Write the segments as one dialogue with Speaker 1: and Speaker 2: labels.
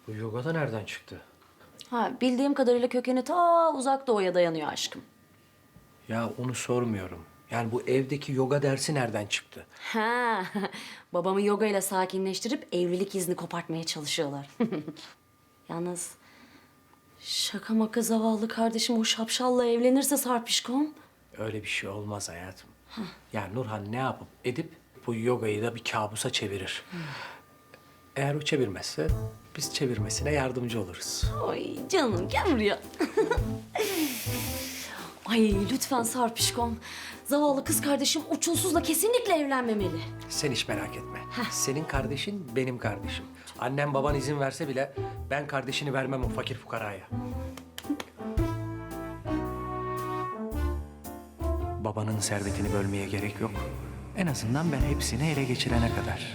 Speaker 1: Bu yoga da nereden çıktı?
Speaker 2: Ha, bildiğim kadarıyla kökeni ta uzak doğuya dayanıyor aşkım.
Speaker 1: Ya onu sormuyorum. Yani bu evdeki yoga dersi nereden çıktı?
Speaker 2: Ha, babamı yoga ile sakinleştirip evlilik izni kopartmaya çalışıyorlar. Yalnız şaka maka zavallı kardeşim o şapşalla evlenirse Sarpişkom.
Speaker 1: Öyle bir şey olmaz hayatım. Yani Nurhan ne yapıp edip bu yogayı da bir kabusa çevirir. Eğer o çevirmezse biz çevirmesine yardımcı oluruz.
Speaker 2: Ay canım gel buraya. Ay lütfen Sarpişkom. Zavallı kız kardeşim uçulsuzla kesinlikle evlenmemeli.
Speaker 1: Sen hiç merak etme. Senin kardeşin benim kardeşim. Annem baban izin verse bile ben kardeşini vermem o fakir fukaraya. Babanın servetini bölmeye gerek yok. En azından ben hepsini ele geçirene kadar.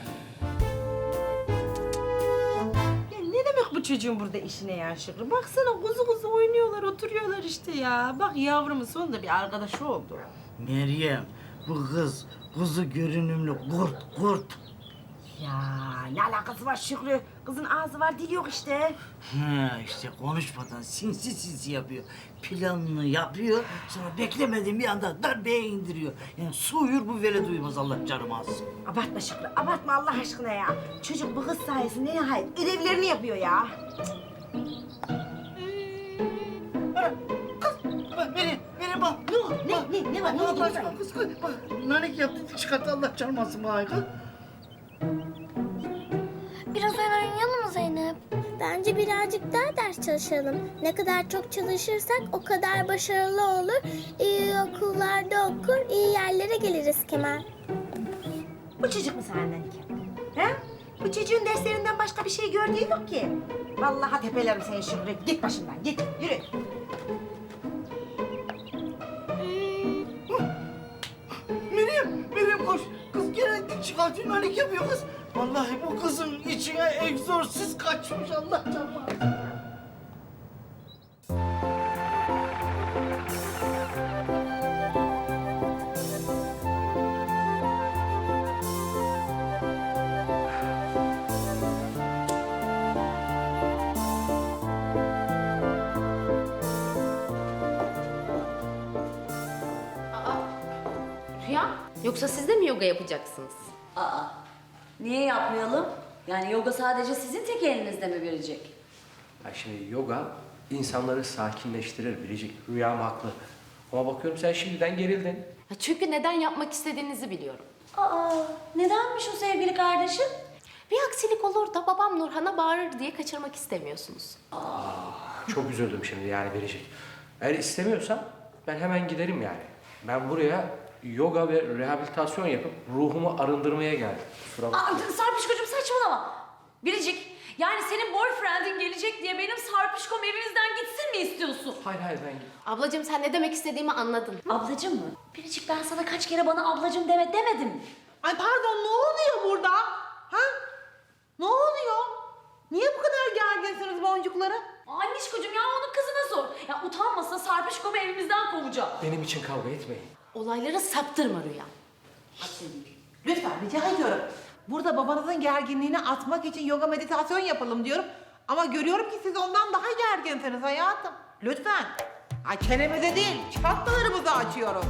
Speaker 3: Ya ne demek bu çocuğun burada işine ya Şükrü? Baksana kuzu kuzu oynuyorlar, oturuyorlar işte ya. Bak yavrumun sonunda bir arkadaşı oldu.
Speaker 4: Meryem, bu kız kuzu görünümlü kurt.
Speaker 3: Ya ne alakası var Şükrü? Kızın ağzı var, dili yok işte.
Speaker 4: Ha işte konuşmadan sinsi yapıyor. Planını yapıyor, sonra beklemediğim bir anda darbeye indiriyor. Yani su uyur bu vere duymaz Allah canımı alsın.
Speaker 3: Abartma Şükrü, abartma Allah aşkına ya. Çocuk bu kız sayesinde nihayet ödevlerini yapıyor ya.
Speaker 4: Bak Meryem bak.
Speaker 3: Ne var?
Speaker 4: Allah aşkına kız bak. Nanik yaptı çıkarttı Allah canımı alsın bana.
Speaker 5: Biraz oynayalım mı Zeynep? Bence birazcık daha ders çalışalım. Ne kadar çok çalışırsak o kadar başarılı olur. İyi okullarda okur, iyi yerlere geliriz Kemal.
Speaker 3: Bu çocuk mu senden ki? He? Bu çocuğun derslerinden başka bir şey gördüğü yok ki. Vallahi tepelerim seni Şükrü. Git başımdan, git. Yürü.
Speaker 4: Meryem koş. Kız gene çıkartıyor nanik yapıyor kız. Vallahi bu kızın içine egzorsiz kaçmış Allah canımı alsın.
Speaker 6: Rüya, yoksa siz de mi yoga yapacaksınız?
Speaker 2: Aa, niye yapmayalım? Yani yoga sadece sizin tek elinizde mi verecek?
Speaker 1: Ya şimdi yoga insanları sakinleştirir Biricik. Rüyam haklı. Ama bakıyorum sen şimdiden gerildin.
Speaker 6: Ya çünkü neden yapmak istediğinizi biliyorum.
Speaker 2: Aa, nedenmiş o sevgili kardeşim?
Speaker 6: Bir aksilik olur da babam Nurhan'a bağırır diye kaçırmak istemiyorsunuz.
Speaker 1: Çok üzüldüm şimdi yani Biricik. Eğer istemiyorsan ben hemen giderim yani. Ben buraya yoga ve rehabilitasyon yapıp ruhumu arındırmaya geldim. Kusura bakma.
Speaker 2: Aa, Sarpişkocuğum saçmalama. Biricik, yani senin boyfriendin gelecek diye benim Sarpişkom evimizden gitsin mi istiyorsun?
Speaker 1: Hayır ben git.
Speaker 6: Ablacığım sen ne demek istediğimi anladın.
Speaker 2: Ablacım mı? Biricik ben sana kaç kere bana ablacım demedim mi?
Speaker 3: Ay pardon, ne oluyor burada? Ha? Ne oluyor? Niye bu kadar gerginsiniz boncukları?
Speaker 2: Annişkocuğum ya onun kızına sor. Ya utanmasa Sarpişkom'u evimizden kovacağım.
Speaker 1: Benim için kavga etmeyin.
Speaker 6: Olayları saptırma Rüya.
Speaker 3: Lütfen rica ediyorum. Burada babanızın gerginliğini atmak için yoga meditasyon yapalım diyorum. Ama görüyorum ki siz ondan daha gerginsiniz hayatım. Lütfen. Ay çenemize değil, çatlalarımızı açıyoruz.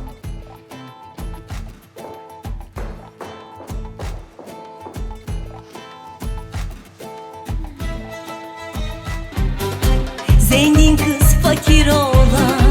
Speaker 7: Zengin kız fakir oğlan